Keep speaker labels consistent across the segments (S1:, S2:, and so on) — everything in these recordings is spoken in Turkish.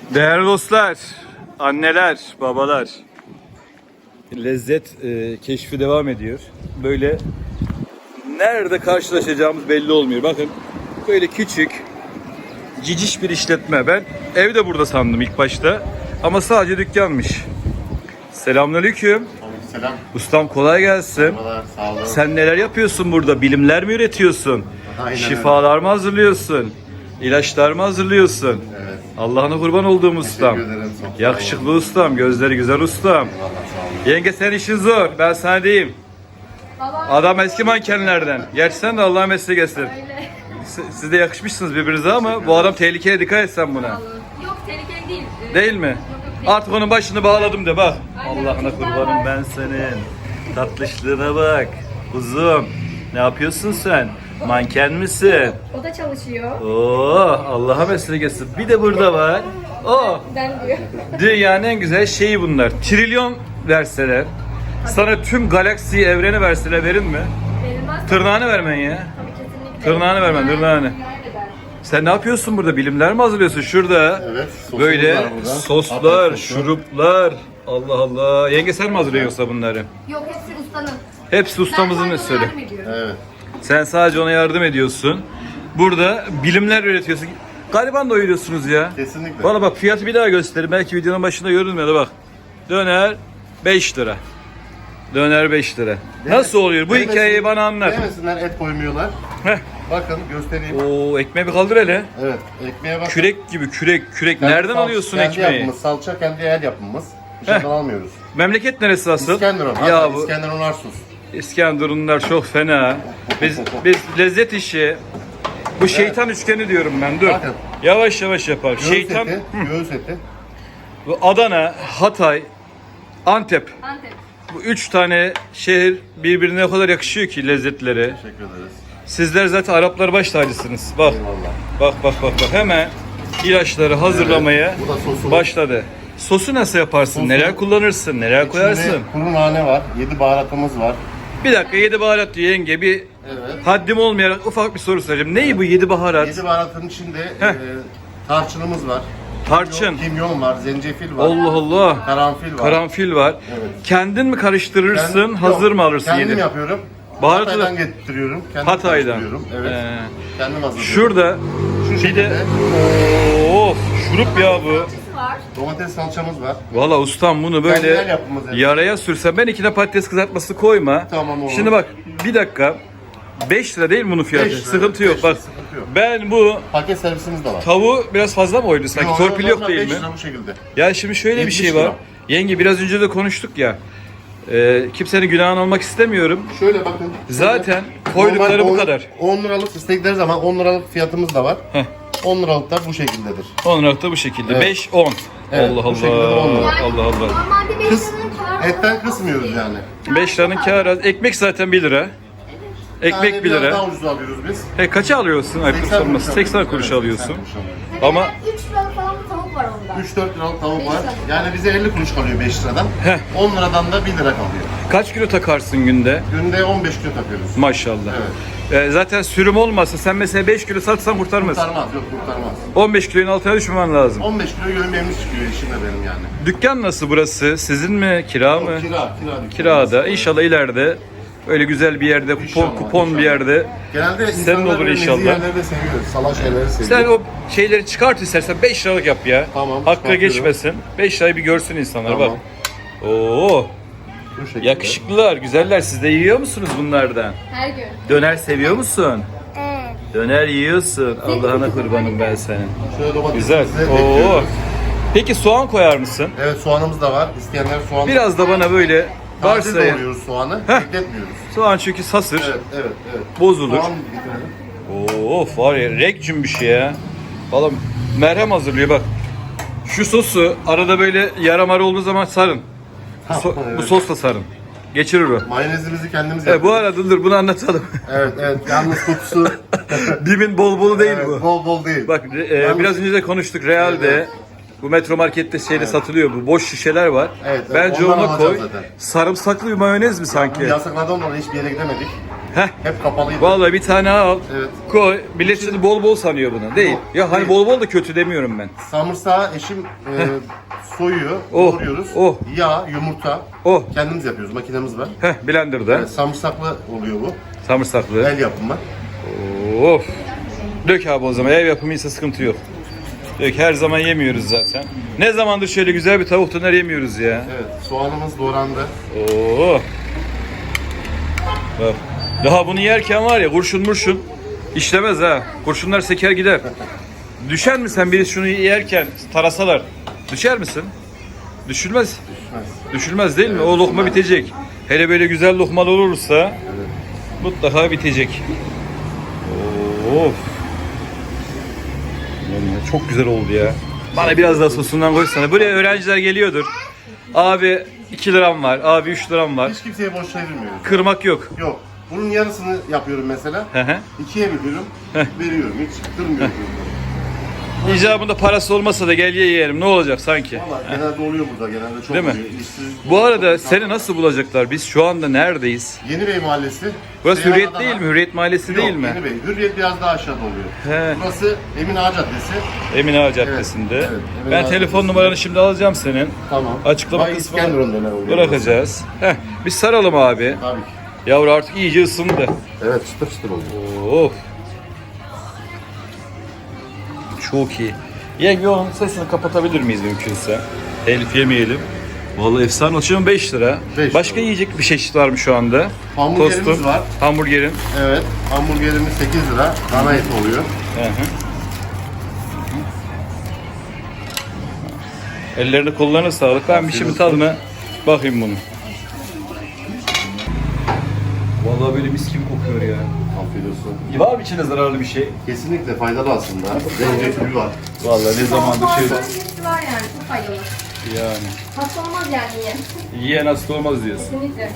S1: Değerli dostlar, anneler, babalar, lezzet keşfi devam ediyor. Böyle nerede karşılaşacağımız belli olmuyor. Bakın böyle küçük, ciciş bir işletme. Ben evde burada sandım ilk başta ama sadece dükkanmış. Selamünaleyküm.
S2: Selam.
S1: Ustam kolay gelsin.
S2: Merhabalar, sağ olun.
S1: Sen neler yapıyorsun burada? Bilimler mi üretiyorsun?
S2: Aynen
S1: Şifalar mı hazırlıyorsun? İlaçlar mı hazırlıyorsun?
S2: Evet.
S1: Allah'ına kurban olduğum ustam.
S2: Teşekkür ederim. Çok sağ
S1: Yakışıklı
S2: olun.
S1: ustam, gözleri güzel ustam.
S2: Eyvallah, sağ olun.
S1: Yenge senin işin zor, ben sana diyeyim. Adam eski mankenlerden. Gerçi sen de Allah'a meslek etsin.
S3: Öyle.
S1: Siz de yakışmışsınız birbirinize ama bu adam tehlikeye, dikkat et sen buna.
S3: Yok tehlikeli değil.
S1: Değil mi?
S3: Yok, değil.
S1: Artık onun başını bağladım de bak.
S3: Aynen,
S1: Allah'ına
S3: çocuklar
S1: kurbanım
S3: var.
S1: ben senin. Tatlışlığına bak. Kuzum. Ne yapıyorsun sen? Manken misin?
S3: O da çalışıyor.
S1: Oo, Allah'a meslek etsin. Bir de burada var. Oh,
S3: Ben diyor.
S1: dünyanın en güzel şeyi bunlar. Trilyon verseler, sana tüm galaksiyi, evreni verseler verin mi?
S3: Verilmez.
S1: Tırnağını vermen ya.
S3: Tabii kesinlikle.
S1: Tırnağını vermen, tırnağını.
S3: Nerede der?
S1: Sen ne yapıyorsun burada? Bilimler mi hazırlıyorsun? Şurada
S2: Evet, sosumuz
S1: böyle
S2: var burada.
S1: soslar,
S2: Afiyet olsun.
S1: şuruplar. Allah Allah. Yenge sen mi hazırlıyorsun yoksa bunları?
S3: Yok hepsi ustanın.
S1: Hepsi ustamızın
S3: Ben
S1: eseri.
S3: yardım ediyorum.
S2: Evet.
S1: Sen sadece ona yardım ediyorsun. Burada bilimler üretiyorsun. Gariban doyuruyorsunuz ya.
S2: Kesinlikle.
S1: Valla bak fiyatı bir daha göstereyim. Belki videonun başında görünmüyordu bak. Döner 5 lira. Döner 5 lira. Nasıl oluyor? Bu
S2: Demesin-
S1: hikayeyi bana anlat.
S2: Demesinler et koymuyorlar.
S1: Heh.
S2: Bakın göstereyim.
S1: Oo, ekmeği bir kaldır hele.
S2: Evet. Ekmeğe bakın.
S1: Kürek gibi kürek.
S2: Kendi
S1: Nereden alıyorsun
S2: kendi
S1: ekmeği?
S2: Yapımız, salça kendi el yapımız. Dışarıdan almıyoruz.
S1: Memleket neresi asıl?
S2: İskenderun.
S1: Ya
S2: Hatta
S1: bu
S2: İskenderun Arsus.
S1: İskenderunlar çok fena. Biz lezzet işi. Bu şeytan üçgeni diyorum ben. Dur.
S2: Bakın.
S1: Yavaş yavaş yapalım.
S2: Göğüs
S1: Şeytan.
S2: eti. Göğüs eti.
S1: Bu Adana, Hatay, Antep.
S3: Antep.
S1: Bu üç tane şehir birbirine o kadar yakışıyor ki lezzetleri.
S2: Teşekkür ederiz.
S1: Sizler zaten Araplar baş tacısınız. Bak,
S2: Eyvallah.
S1: bak. Hemen ilaçları hazırlamaya
S2: Bu da sosu.
S1: başladı. Sosu nasıl yaparsın?
S2: Sosu-
S1: Neler kullanırsın? Neler koyarsın?
S2: İçinde kuru nane var. 7 baharatımız var.
S1: Bir dakika 7 baharat diyor yenge. Bir
S2: Evet.
S1: haddim olmayarak ufak bir soru soracağım. Neyi bu 7 baharat?
S2: 7 baharatın içinde
S1: Heh.
S2: tarçınımız var.
S1: Tarçın.
S2: Kimyon var, zencefil var.
S1: Allah Allah.
S2: Karanfil var.
S1: Karanfil var.
S2: Evet.
S1: Kendin mi karıştırırsın?
S2: Kendim-
S1: hazır
S2: yok,
S1: mı alırsın
S2: Kendim
S1: yedi?
S2: yapıyorum.
S1: Baharatı
S2: Hatay'dan
S1: da-
S2: getiriyorum. Kendim
S1: Hatay'dan.
S2: karıştırıyorum. Evet. Kendim hazırlıyorum.
S1: Şurada
S2: Şu
S1: bir de
S2: şekilde
S1: of şurup ya bu.
S3: Salçası var.
S2: domates salçamız var.
S1: Valla ustam bunu
S2: Kendine
S1: böyle
S2: yapımız yani.
S1: yaraya sürsen ben içine patates kızartması koyma.
S2: Tamam, olur.
S1: Şimdi bak bir dakika 5 lira değil mi bunun fiyatı?
S2: 5 lira,
S1: Sıkıntı
S2: evet,
S1: yok
S2: 5
S1: bak.
S2: lira, sıkıntı yok.
S1: Ben bu
S2: Paket servisimiz de var.
S1: tavuğu biraz fazla mı oydu sanki? Torpil yok
S2: normal
S1: değil
S2: 5
S1: mi?
S2: lira bu şekilde.
S1: Ya şimdi şöyle bir
S2: 70
S1: şey var.
S2: lira.
S1: Yenge biraz önce de konuştuk ya. Kimsenin günahını almak istemiyorum.
S2: Şöyle bakın.
S1: Zaten koydukları bu
S2: Normal
S1: kadar.
S2: 10 liralık istedikleri zaman 10 liralık fiyatımız da var.
S1: Heh.
S2: 10 liralık da bu şekildedir.
S1: 10 liralık da bu şekilde.
S2: Evet.
S1: 5 10.
S2: Evet,
S1: Allah
S2: bu şekilde de 10
S1: Allah.
S2: lira.
S1: Allah Allah.
S3: Normalde 5
S2: Kıs,
S3: liranın kârı.
S2: etten kısmıyoruz yani.
S1: 5 liranın kârı az. Ekmek zaten 1 lira. Ekmek
S2: Yani
S1: 1
S2: biraz
S1: lira.
S2: daha ucuz alıyoruz biz.
S1: Kaça alıyorsun? Ayıp sorması. 80 kuruş alıyorsun. Ama
S3: 3 liralık falan bir tavuk var onda.
S2: 3-4 liralık tavuk
S3: Beş
S2: var.
S3: lira.
S2: Yani bize 50 kuruş kalıyor 5 liradan. 10 liradan da 1 lira kalıyor.
S1: kaç kilo takarsın günde?
S2: Günde 15 kilo takıyoruz.
S1: Maşallah.
S2: Evet.
S1: Zaten sürüm olmasa sen mesela 5 kilo satsan kurtarmaz.
S2: Kurtarmaz, yok kurtarmaz.
S1: 15 kilonun altına düşmemen lazım.
S2: 15 kilo gömleğimiz çıkıyor işimde benim yani.
S1: Dükkan nasıl burası? Sizin mi? Kira mı?
S2: Kira
S1: Kirada. İnşallah ileride öyle güzel bir yerde, kupon bir yerde.
S2: Genelde
S1: Senin
S2: insanlar
S1: olur
S2: böyle nezih
S1: inşallah.
S2: yerleri de seviyoruz. Salaş yerleri seviyoruz.
S1: Sen o şeyleri çıkart istersen 5 liralık yap ya.
S2: Tamam,
S1: Hakkı
S2: çıkartıyorum.
S1: geçmesin. 5 lirayı bir görsün insanlar
S2: Tamam.
S1: bak. Oo,
S2: Bu şekilde.
S1: yakışıklılar, güzeller. Siz de yiyor musunuz bunlardan?
S3: Her gün.
S1: Döner seviyor musun?
S3: Evet.
S1: Döner yiyorsun. Allah'ına kurbanım ben senin.
S2: Şöyle domatesimizi
S1: Güzel. Oo.
S2: ekliyoruz.
S1: Peki soğan koyar mısın?
S2: Evet soğanımız da var. İsteyenler soğan.
S1: Biraz da bana böyle
S2: Taze
S1: varsayın.
S2: doğruyoruz soğanı.
S1: Heh.
S2: Bekletmiyoruz.
S1: Soğan çünkü sasır.
S2: Evet.
S1: Bozulur.
S2: Soğan getirelim.
S1: Of var ya rek cümbüş ya. Valla merhem hazırlıyor bak. Şu sosu arada böyle yaramar olduğu zaman sarın. Bu
S2: Evet.
S1: sosla sarın. Geçirir o.
S2: Mayonezimizi kendimiz
S1: Bu
S2: yapıyoruz.
S1: arada dur bunu anlatalım.
S2: Evet. Yalnız kokusu.
S1: Bimin bol bolu değil
S2: Evet,
S1: bu.
S2: Bol değil.
S1: Bak
S2: Yalnız-
S1: biraz önce de konuştuk Real'de.
S2: Evet.
S1: Bu Metro Market'te şeyde satılıyor bu. Boş şişeler var.
S2: Evet,
S1: Bence
S2: ondan
S1: ona
S2: alacağız
S1: koy.
S2: zaten.
S1: Sarımsaklı bir mayonez mi sanki?
S2: Yasaklardan dolayı hiçbir yere gidemedik.
S1: Heh.
S2: Hep kapalıydı.
S1: Vallahi bir tane al.
S2: Evet.
S1: Koy. Millet şimdi bol bol sanıyor bunu. Değil.
S2: Yok,
S1: Ya hani
S2: değil.
S1: bol bol da kötü demiyorum ben.
S2: Samırsağı eşim soyuyor,
S1: Oh,
S2: doğruyoruz.
S1: oh.
S2: Yağ, yumurta.
S1: Oh.
S2: Kendimiz yapıyoruz, makinemiz var.
S1: Heh, blenderda.
S2: Samırsaklı oluyor bu.
S1: Samırsaklı.
S2: El yapımı.
S1: Of. Dök abi o zaman. Ev yapımıysa sıkıntı yok. Dök. Her zaman yemiyoruz zaten. Ne zamandır şöyle güzel bir tavuk döner yemiyoruz ya.
S2: Evet, soğanımız doğrandı.
S1: Oo. Bak. Daha bunu yerken var ya kurşun murşun işlemez ha. Kurşunlar seker gider. Düşer mi sen biri şunu yerken tarasalar? Düşer misin? Düşülmez.
S2: Düşmez.
S1: Düşülmez değil mi?
S2: Evet,
S1: O lokma
S2: düşmez.
S1: bitecek. Hele böyle güzel lokmalar olursa mutlaka bitecek. Of. Yani çok güzel oldu ya. Bana biraz daha sosundan koysana. Böyle öğrenciler geliyordur. Abi 2 liram var. Abi 3 liram var.
S2: Hiç kimseye boş çevirmiyoruz.
S1: Kırmak yok.
S2: Yok. Bunun yarısını yapıyorum mesela.
S1: Hı hı.
S2: 2'ye bölüyorum, veriyorum. Hiç kırmıyorum.
S1: İcabında parası olmasa da gel ye yiyelim. Ne olacak sanki?
S2: Valla genelde oluyor burada. Genelde çok
S1: Değil mi?
S2: oluyor. İşsiz-
S1: Bu arada seni nasıl bulacaklar? Biz şu anda neredeyiz?
S2: Yenibey Mahallesi.
S1: Burası
S2: Seyhan
S1: Hürriyet
S2: Adana.
S1: değil mi? Hürriyet Mahallesi
S2: Yok,
S1: değil mi?
S2: Yenibey. Hürriyet biraz daha aşağıda oluyor.
S1: He.
S2: Burası Emin Ağa Caddesi.
S1: Emin Ağa Caddesi'nde.
S2: Evet, Emin
S1: Ben
S2: Ağa
S1: telefon
S2: Caddesi'nde.
S1: numaranı şimdi alacağım senin.
S2: Tamam.
S1: Açıklama
S2: Bay
S1: kısmına
S2: İskenderun döner oluyor.
S1: bırakacağız. Heh, biz saralım abi.
S2: Tabii ki.
S1: Yavru artık iyice ısındı.
S2: Evet, çıtır çıtır oldu.
S1: Of. Çok iyi. Yenge onun sesini kapatabilir miyiz mümkünse? Telif yemeyelim. Vallahi efsane oldu. 5 lira.
S2: 5
S1: Başka
S2: lira.
S1: yiyecek bir çeşit var mı şu anda?
S2: Hamburgerimiz
S1: Tostun,
S2: var.
S1: Hamburgerin.
S2: Evet, hamburgerimiz 8 lira. Dana eti oluyor.
S1: Hı hı. Ellerine kollarına sağlık. Ben bir şimdi tadına bakayım bunu. Vallahi böyle mis gibi kokuyor ya.
S2: Afiyet olsun.
S1: Var mı içine zararlı bir şey?
S2: Kesinlikle faydalı aslında. Zencefil var.
S1: Vallahi ne zamandır şey
S3: Hepsi var yani. Çok faydalı.
S1: yani.
S3: Hasta olmaz yani yiyen.
S1: Yiyen hasta olmaz diyorsun.
S3: Kesinlikle.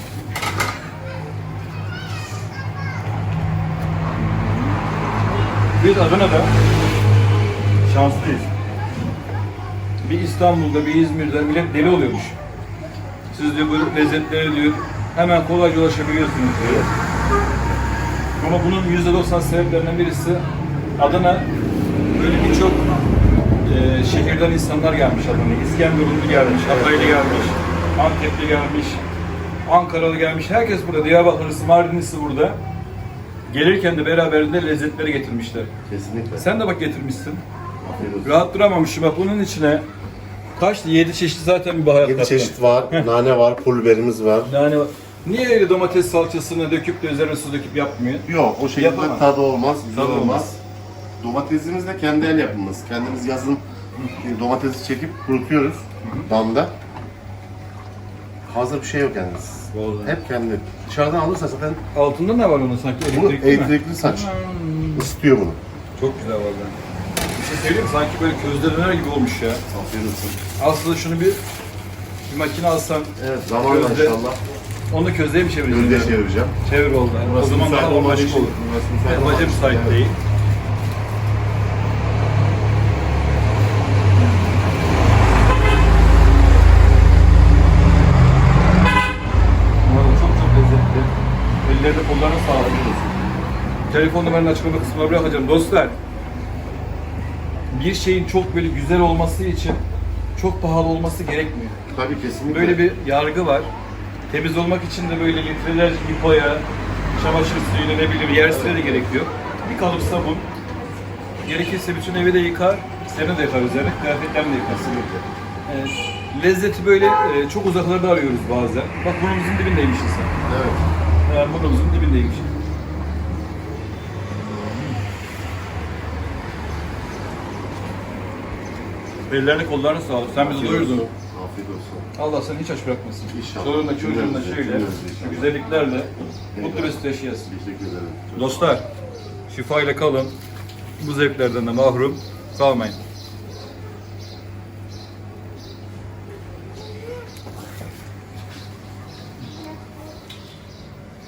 S1: Biz Adana'da şanslıyız. Bir İstanbul'da, bir İzmir'de millet deli oluyormuş. Siz diyor bu lezzetlere diyor hemen kolayca ulaşabiliyorsunuz diyor. Ama bunun %90 sebeplerinden birisi Adana böyle birçok şehirden insanlar gelmiş Adana'ya. İskenderunlu gelmiş, Hataylı gelmiş, Antepli gelmiş, Ankaralı gelmiş. Herkes burada. Diyarbakırlısı, Mardinlisi burada. Gelirken de beraberinde lezzetleri getirmişler.
S2: Kesinlikle.
S1: Sen de bak getirmişsin.
S2: Afiyet olsun.
S1: Rahat duramamışım. Bak bunun içine kaçtı? 7 çeşit zaten bir baharat
S2: 7
S1: kattın.
S2: çeşit var. Nane var, pul biberimiz var.
S1: Yani niye öyle domates salçasını döküp de üzerine su döküp yapmıyor?
S2: Yok, o şekilde
S1: Yapamam.
S2: tadı olmaz, güzel
S1: Tadı
S2: olmaz.
S1: olmaz.
S2: Domatesimiz de kendi el yapımımız. Kendimiz yazın domatesi çekip kurutuyoruz damda. Hazır bir şey yok yani.
S1: Vallahi.
S2: Hep kendi. Dışarıdan alırsa zaten
S1: Altında ne var onun sanki?
S2: bu
S1: Elektrikli mi?
S2: elektrikli saç. Isıtıyor bunu.
S1: Çok güzel vallahi. Bir şey söyleyeyim mi? Sanki böyle közde döner gibi olmuş ya.
S2: Afiyet olsun.
S1: Aslında şunu bir makine alsan,
S2: Evet, zamanla
S1: Közde.
S2: inşallah
S1: onu közleye mi çevireceksin?
S2: gölge çevireceğim.
S1: Çevir oldu. O zaman
S2: müsait
S1: daha
S2: olmadığı
S1: başka
S2: için-
S1: olur.
S2: burası müsait olmadığı
S1: Baca
S2: için-
S1: müsait
S2: Evet.
S1: değil. Vallahi çok çok lezzetli. Ellerine kollarına sağlık. Telefon numaranı açıklama kısmına bırakacağım. Dostlar, bir şeyin çok böyle güzel olması için çok pahalı olması gerekmiyor.
S2: Tabii kesinlikle.
S1: Böyle bir yargı var. Temiz olmak için de böyle litrelerce lipoya, çamaşır suyuna ne bileyim yersine de gerek yok. Bir kalıp sabun. Gerekirse bütün evi de yıkar, seni de yıkar üzerine, kıyafetlerini de yıkar. Evet. Lezzeti böyle çok uzaklarda arıyoruz bazen. Bak burnumuzun dibindeymişsin sen.
S2: Evet.
S1: Burnumuzun dibindeymişsin. Ellerine kollarına sağlık. Sen bizi
S2: Afiyet
S1: doyurdun.
S2: olsun. Afiyet olsun.
S1: Allah seni hiç aç bırakmasın.
S2: İnşallah.
S1: Çoluğunla çocuğunla
S2: Cümlemize,
S1: şöyle
S2: cümlemize inşallah.
S1: güzelliklerle mutlu mesut yaşayasın.
S2: Teşekkür ederim.
S1: Dostlar, şifa ile kalın. Bu zevklerden de mahrum kalmayın.